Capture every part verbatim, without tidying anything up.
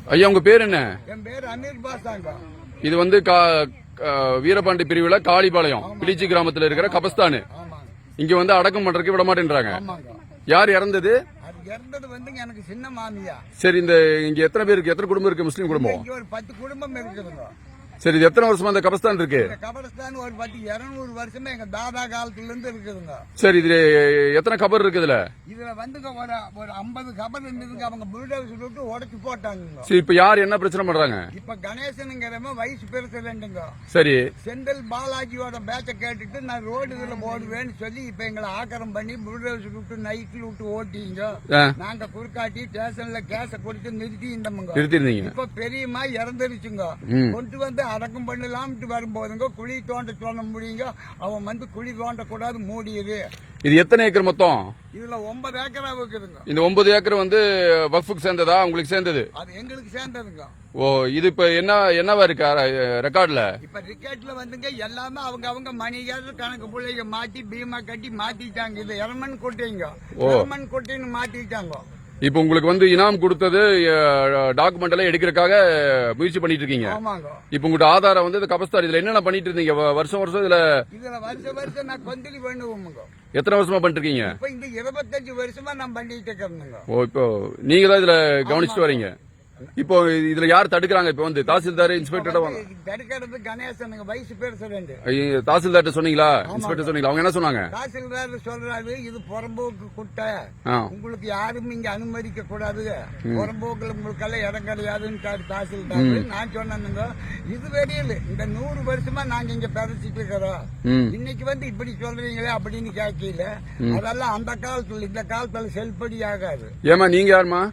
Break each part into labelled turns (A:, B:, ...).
A: ஐயா உங்க பேர் என்ன?
B: என் பேர் அமீர் பாஷாங்க.
A: இது வந்து வீரபாண்டி பிரிவுல காளிபாளையம் பிளிச்சி கிராமத்துல இருக்கிற கபஸ்தான். இங்க வந்து அடக்கம் பண்றதுக்கு விட மாட்டேன்றாங்க. யார் இறந்தது?
B: இறந்தது வந்து எனக்கு சின்ன மாமியா.
A: சரி, இந்த இங்க எத்தனை பேருக்கு, எத்தனை குடும்பம் இருக்கு? முஸ்லீம் குடும்பம்
B: இங்க ஒரு பத்து குடும்பம் இருக்குதுங்க.
A: சரி, இது எத்தனை வருஷமா இந்த கபஸ்தான் இருக்கு?
B: கபரஸ்தான் ஒரு பத்து இருநூறு வருஷமா எங்க தாதா காலத்துல இருந்து இருக்குதுங்க.
A: சரி, இதுல எத்தனை கபர் இருக்குதுல?
B: இதுல வந்துங்க ஒரு ஒரு ஐம்பது கபர் இருந்ததுங்க. அவங்க புல்டோசர் விட்டு உடைச்சு போட்டாங்க.
A: சரி, இப்ப யார் என்ன பிரச்சனை பண்றாங்க?
B: இப்ப கணேசனுங்கிறவன் வயசு பிரசிடண்ட்டுங்க.
A: சரி,
B: செந்தில் பாலாஜியோட பேச்ச கேட்டுட்டு நான் ரோடு இதுல போடுவேன்னு சொல்லி இப்ப எங்களை ஆக்கிரம் பண்ணி புல்டோசர் விட்டு நைட்ல விட்டு ஓட்டிங்க. நாங்க குறுக்காட்டி ஸ்டேஷன்ல கேஸ கொடுத்து நிறுத்தி இருந்தோம். இப்ப பெரியம்மா இறந்துருச்சுங்க. கொண்டு வந்து அடக்கம் பண்ணலாம்னு வரும்போதுங்க குழி தோண்ட தோண்ட முடியுங்க. அவன் வந்து குழி தோண்ட கூடாது, மூடியது.
A: இது எத்தனை ஏக்கர் மொத்தம்?
B: இதுல ஒன்பது ஏக்கரா இருக்குதுங்க.
A: இந்த ஒன்பது ஏக்கர் வந்து வக்ஃபுக்கு சேர்ந்ததா, உங்களுக்கு சேர்ந்தது?
B: அது எங்களுக்கு சேர்ந்ததுங்க.
A: ஓ, இது இப்ப என்ன என்னவா இருக்கு ரெக்கார்ட்ல?
B: இப்ப ரெக்கார்ட்ல வந்துங்க எல்லாமே அவங்க அவங்க மணிகார கணக்கு பிள்ளைங்க மாத்தி பீமா கட்டி மாத்திட்டாங்க. இது எரமன் கொட்டைங்க, எரமன் கொட்டைன்னு மாத்திட்டாங்க.
A: இப்ப உங்களுக்கு வந்து இனாம் கொடுத்தது டாக்குமெண்ட் எல்லாம் எடுக்கிறதுக்காக முயற்சி பண்ணிட்டு இருக்கீங்க. இப்ப உங்க ஆதாரம் வந்து கபஸ்தான். இதுல என்னென்ன பண்ணிட்டு இருந்தீங்க வருஷம் வருஷம்? இதுல
B: இதுல வருஷம் வருஷம் நான் கொந்தளி பண்ணுவோம்.
A: எத்தனை வருஷமா பண்ணிட்டு இருக்கீங்க?
B: இப்ப இந்த இருபத்தஞ்சு வருஷமா நான் பண்ணிட்டு இருக்கேன்.
A: ஓ, இப்போ நீங்க தான் இதுல கவனிச்சுட்டு வரீங்க. இப்போ இதுல யார் தடுக்கிறாங்க? இப்ப வந்து தாசில்தார், இன்ஸ்பெக்டர்
B: தடுக்கிறது கணேசன் வயசு பிரசிடண்ட்.
A: தாசில்தார் சொன்னீங்களா? இன்ஸ்பெக்டர் சொன்னீங்களா? அவங்க என்ன சொன்னாங்க?
B: தாசில்தார் சொல்றாரு இது புறம்போக்கு குட்டை, உங்களுக்கு யாரும் இங்க அனுமதிக்க கூடாது, புறம்போக்குல உங்களுக்கு எல்லாம் இடம் கிடையாதுன்னு தாசில்தார். நான் சொன்னேங்க இது வரையில் இந்த நூறு வருஷமா நாங்க இங்க பேசிட்டு இருக்கிறோம். இன்னைக்கு வந்து இப்படி சொல்றீங்களே அப்படின்னு கேட்கல. அதெல்லாம் அந்த காலத்துல, இந்த காலத்துல செல்படி ஆகாது.
A: ஏமா நீங்க யாருமா?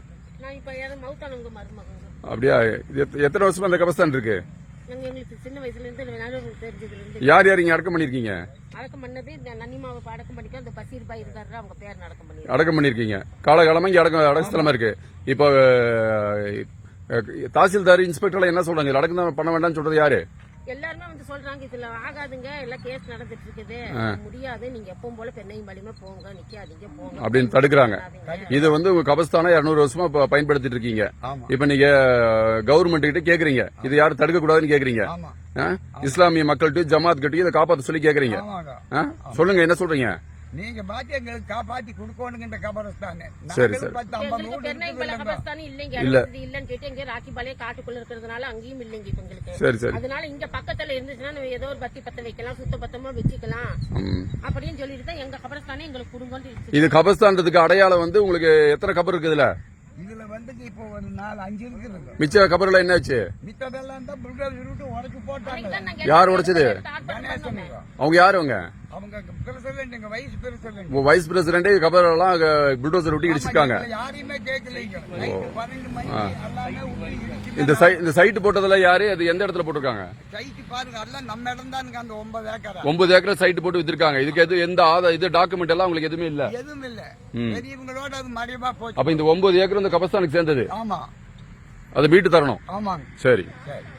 A: அப்படியா? எத்தனை வருஷமா அந்த கபஸ்தான் இருக்கு?
C: சின்ன வயசுல இருந்து
A: யார் யார் இங்க அடக்கம் பண்ணிருக்கீங்க?
C: அடக்கம் பண்ணது நன்னிமாவை அடக்கம் பண்ணிக்க அந்த பசீர் பாய் இருக்காரு, அவங்க பேர் அடக்கம் பண்ணி
A: அடக்கம் பண்ணிருக்கீங்க. காலகாலமா இங்க அடக்கம் அடக்கஸ்தலமா இருக்கு. இப்போ தாசில்தார், இன்ஸ்பெக்டர் என்ன சொல்றாங்க? அடக்கம் பண்ண வேண்டாம்னு சொல்றது யாரு?
C: எல்லாருமே வந்து சொல்றாங்க இதுல ஆகாதுங்க, எல்லாம் கேஸ் நடந்துட்டு இருக்குது, முடியாது, நீங்க எப்பவும் போல பெண்ணையும் வலிமை போங்க, நிக்காதீங்க, போங்க
A: அப்படின்னு தடுக்கிறாங்க. இது வந்து உங்க கபஸ்தான இருநூறு வருஷமா பயன்படுத்திட்டு இருக்கீங்க. இப்ப நீங்க கவர்மெண்ட் கிட்ட கேக்குறீங்க இது யாரும் தடுக்க கூடாதுன்னு கேக்குறீங்க. இஸ்லாமிய மக்கள்கிட்ட, ஜமாத் கிட்ட இதை காப்பாற்ற சொல்லி கேக்குறீங்க. சொல்லுங்க, என்ன சொல்றீங்க?
B: நீங்க பாத்தி எங்களுக்கு காப்பாத்தி கொடுக்கணுங்க இந்த கபரஸ்தான்.
A: சரி சரி.
C: கபரஸ்தான் இல்லைங்க, இல்லன்னு கேட்டு எங்க ராக்கிபாளைய காட்டுக்குள்ள இருக்கிறதுனால அங்கேயும் இல்லைங்க எங்களுக்கு.
A: சரி சரி.
C: அதனால இங்க பக்கத்துல இருந்துச்சுன்னா ஏதோ ஒரு பத்தி பத்த வைக்கலாம், சுத்த பத்தமா வச்சுக்கலாம் அப்படின்னு சொல்லிட்டு தான் எங்க கபரஸ்தானே எங்களுக்கு கொடுங்கன்னு.
A: இது கபரஸ்தான்றதுக்கு அடையாளம் வந்து உங்களுக்கு எத்தனை கபர் இருக்குதுல?
B: இதுல வந்து இப்போ ஒரு நாலு அஞ்சு இருக்குது.
A: மிச்ச கபர்ல என்னாச்சு?
B: மித்ததெல்லாம் தான் புல்டோசர் விட்டு உடைச்சு போட்டாங்க.
A: யார் உடைச்சது? அவங்க யாரு? அவங்க
B: அவங்க பிரசிடண்ட், எங்க வைஸ் பிரசிடண்ட்.
A: ஓ, வைஸ் பிரசிடண்ட் கபர் எல்லாம் புல்டோசர் விட்டு இடிச்சிருக்காங்க.
B: யாரையுமே கேட்கலீங்க. பன்னெண்டு மணி எல்லாமே
A: இந்த இந்த சைட் போட்டதுல யாரு? அது எந்த இடத்துல போட்டிருக்காங்க?
B: சைட் பாருங்க, எல்லாம் நம்ம இடம் தானுங்க. அந்த ஒன்பது ஏக்கர்
A: ஒன்பது ஏக்கர் சைட் போட்டு வித்திருக்காங்க. இதுக்கு எது எந்த ஆதார இது டாக்குமெண்ட் எல்லாம் உங்களுக்கு எதுவுமே இல்ல?
B: எதுவும் இல்ல. பெரியவங்களோட அது மறைவா போச்சு.
A: அப்ப இந்த ஒன்பது ஏக்கர் இந்த கபஸ்தானுக்கு சேர்ந்தது.
B: ஆமா,
A: அதை மீட்டு தரணும்.
B: ஆமாங்க.
A: சரி
B: சரி.